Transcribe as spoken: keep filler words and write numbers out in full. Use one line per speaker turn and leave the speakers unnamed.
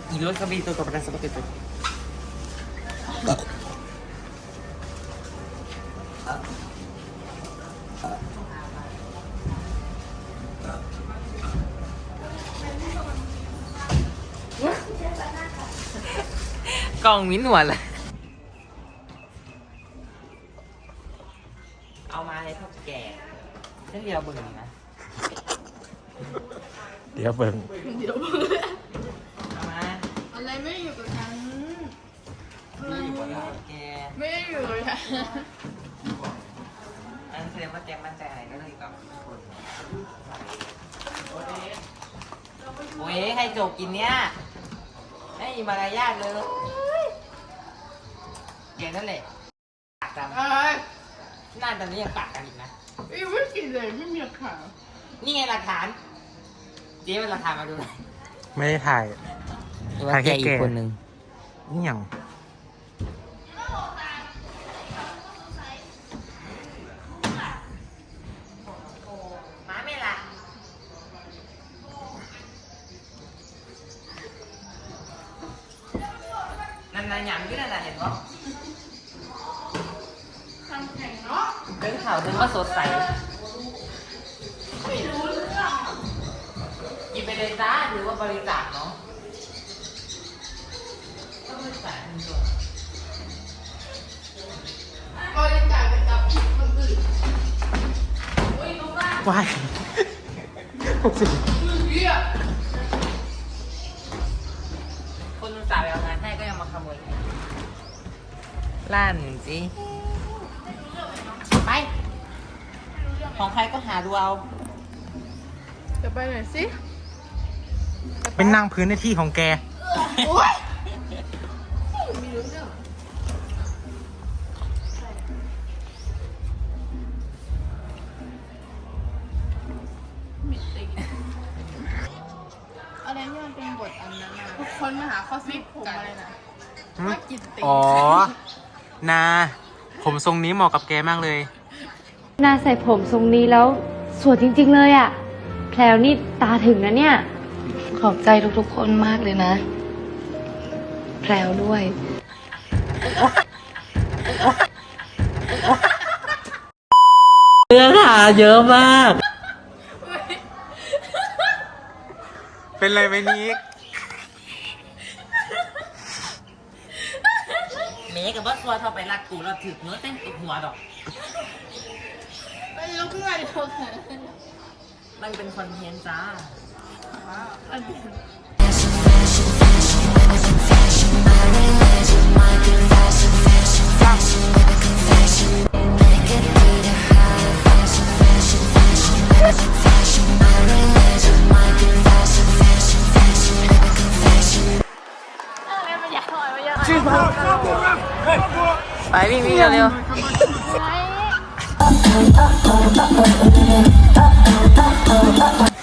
Y luego capito con brazo paquete. Còn miếng ngoài làเอามาให้เท่าแก่ฉันเดียวเบิ่งนะ
เดี๋ยวเบิ่ง
เดี๋ยว
เอามา
อะไรไม่อยู่กับฉันอะไร
นี่อยู่บน
ไม่
หลังแก
ไม่อยู่กับฉัน
อันแสดงว่าแกมั่นใจอะไรก็เลยกับคนโอ้ยใครโจกกินเนี้ยไม่มีมารยาทเลยแกนั่นแหละปากกัน
อะไร
หน้าตอนนี้ยังปากกันอีกนะ
อีไม่กินเลยไม่มีข่าว
นี่ไงหลักฐาน เจ๊เป็นหลักฐานมาดูหน่อย
ไม่ได้ถ่าย
ว่าแกอีกคนหนึ่ง
นี่หยัง
ม้าไม่ละนั่นนายหยำที่นั่นน่ะเห็นปะ
ทำแข่งเนาะ
เป็นข่าวถึงว่าสดใส
ไม่รู้เรื่อง
กินไปเลยจ้าหรือว่าบริจาคเนาะก็บริจาคคุณตัว
บริจาคไปกับผิดคนอื่นโอ้ยลูกบ้าน
ว้ายหกสิบ
เหี้ย
คนอุตส่าห์ไปเอางานให้ก็ยังมาขโมยล้านสิไป ของใครก็หาดูเอา
จะไปไหนสิ
เป็นนั่งพื้นในที่ของแก
โอ๊ยไม่รู้เรื่องมิดติงอะไรที่มันเป็นบทอันนั้นนะทุกคนมาหาข้อสรุปผมอะไรนะว่ากินติง
อ๋อ นา ผมทรงนี้เหมาะกับแกมากเลย
นาใส่ผมทรงนี้แล้วสวยจริงๆเลยอะ่ะ แพลวนี่ตาถึงนะเนี่ย
ขอบใจทุกๆคนมากเลยนะ แพรวด้วย
เนื้อหาเยอะมาก
เป็นไรไหมนิก
เมย์กับว่าทัวร์เท่าไปรักกูเราถือเนื้อเต้นติดหัวดอก
ไปลุกขึ้นมาเดียวกัน
มันเป็นคอนเทนต์จ้า
อันนี้
ไปวิ่งวิ่งเร็วๆ